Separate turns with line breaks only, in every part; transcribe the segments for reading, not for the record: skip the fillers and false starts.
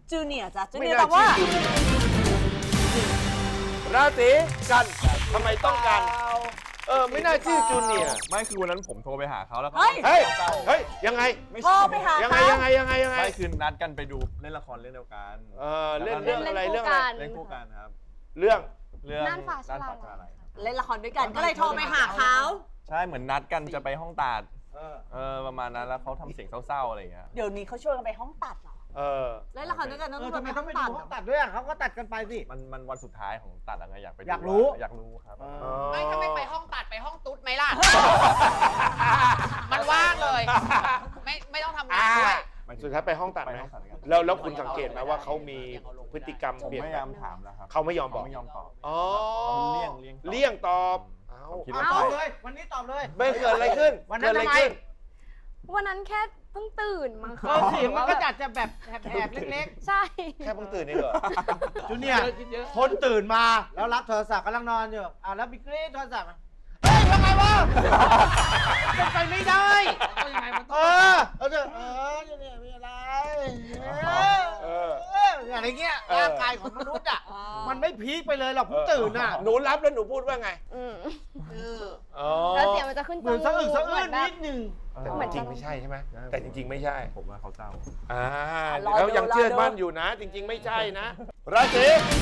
จูเนียร์จ้ะจูเนียร์ตอบว่า
ราศีกันทำไมต้องกันไม่น่าชื่อจูเนียร์
ไม่คือวันนั้นผมโทรไปหาเขาแล้วเขา
เฮ้ยยังไง
โทรไปหา
ยัง
เขา
ไง
ไม่คือนัดกันไปดูเล่นละครเรื่องเดียวกัน
เรื่องอะไรเรื่องอะไร
เล่นคู่กันครับ
เรื่อง
น่านฟ้าชลาลัย
เล่นละครด้วยกันก็เลยโทรไปหาเขา
ใช่เหมือนนัดกันจะไปห้องตัดประมาณนั้นแล้วเขาทำเสียงเศร้าๆอะไรอย่างเงี้ย
เดี๋ยวนี้เขาชวนกันไปห้องตัดเหรอ เล่นละครด้วยกันต้อง
ทำไม
ไป
ต้
ห้
อ
อง ง
ไป
ตั
ดู
ด
ห้องตัดด้วยเขาก็ตัดกันไปสิ
มันวันสุดท้ายของตัดอะไรอยากไปดู
อยากรู้
อยากรู้ครับ
ไม่ถ้าไม่ไปห้องตัดไปห้องตุ๊ดไหมล่ะ มันว่างเลย ไม่ต้องทำงานด้วย
สุดท้ายไปห้องตัดไหม
ไปห้องตัดกัน
แล้วคุณสังเกตไหมว่าเขามีพฤติกรรม
ผม
เปลี่ยน
พยายามถามแล้วครับ
เขาไม่ยอมบอก
ไม่ยอมตอบ
อ๋อ
เลี่
เลี่ย
ย
ง
ง
ตอบ
ผมคิดว่า
ตอบ
ใช่
เลย วันนี้ตอบเลย
ไม่เกิดอะไรขึ้น
วันนั้น
เกิดอะไร
ทำไม
ขึ้น
วันนั้นแค่เพิ่งตื่นมั้งคะ
เสียงมันก็จัดจะแบบแหบๆเล็ก
ใช่
แค่เพิ่งตื่นนี่เหรอ
ๆจูเนียร์คนตื่นมาแล้วรับโทรศัพท์กำลังนอนอยู่แล้วบิ๊กเล่โทรศัพท์เฮ้ยทำไมวะเป็นไปไม่ได้จูเนียร์มีอะไรอะไรเงี้ยร่างกายของมนุษย์อ่ะมันไม่พีคไปเลยหรอกผมตื่นอ่ะ
หนูรับแล้วหนูพูดว่าไง
แล้วเสียงมันจะขึ้น
เหมือนสะอึกสะอื้นนิดนึง
แต่จริงๆไม่ใช่ใช่ไหมแต่จริงๆไม่ใช่
ผมว่าเขาเศร้า
แล้วยังเชื่อมั่นอยู่นะ จริง ๆ ไม่ใช่นะ ราศี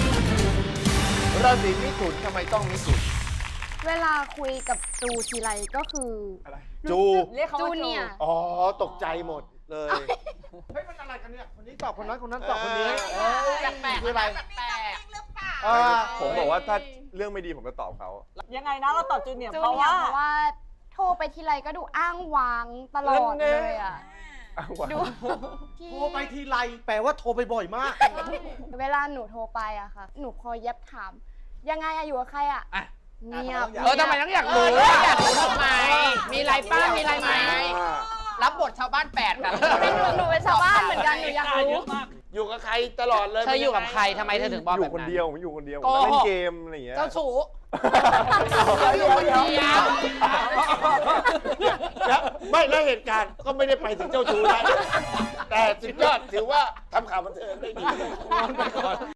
มิถุนทำไมต้องมิถุน
เวลาคุยกับจูทีไรก็คือ
จู
เรียกเขา
จู
ว่า
เนียร์
อ๋อตกใจหมดเลย
เฮ้ยมันอะไรกันเนี่ยคนนี้ตอบคนนั้นคนนั้นตอบคนนี้
แปลกๆ
คืออะไร
แปลก
ผมบอกว่าถ้าเรื่องไม่ดีผมจะตอบเขา
ยังไงนะเราตอบจูเนียร์
จู
เพราะ
เนีย
ว่า
ร์เพราะว่าโทรไปทีไรก็ดูอ้างว้างตลอดเลยอ่ะดูที่
โทรไปทีไรแปลว่าโทรไปบ่อยมาก
เวลาหนูโทรไปอะค่ะ หนูพอเย็บถาม ยังไงอะอยู่กับใครอะเงียบ
ทำไมต้องอยากรู้อยากรู้ทำไม มีอะไรป้ามีอะไรไหม รับบทชาวบ้าน8ค่ะ
เป็นหนูเป็นชาวบ้านเหมือนกันหนูอยากรู้
อยู่กับใครตลอดเลย
เธออยู่กับใครทำไมเธอถึงบอก
อ
แบบ
ยู่คน
นั้น
เดียวผมอยู่คนเดียว
โกหก
เล่นเกมอะไรอย่างเงี้ย
เจ้าชู้
เดี๋ยว
แล้วไม่แล้วเหตุการณ์ก็ไม่ได้ไปถึงเจ้าชู้ได้แต่สุดยอดถือว่าทำข่าวบันเทิงได้ดี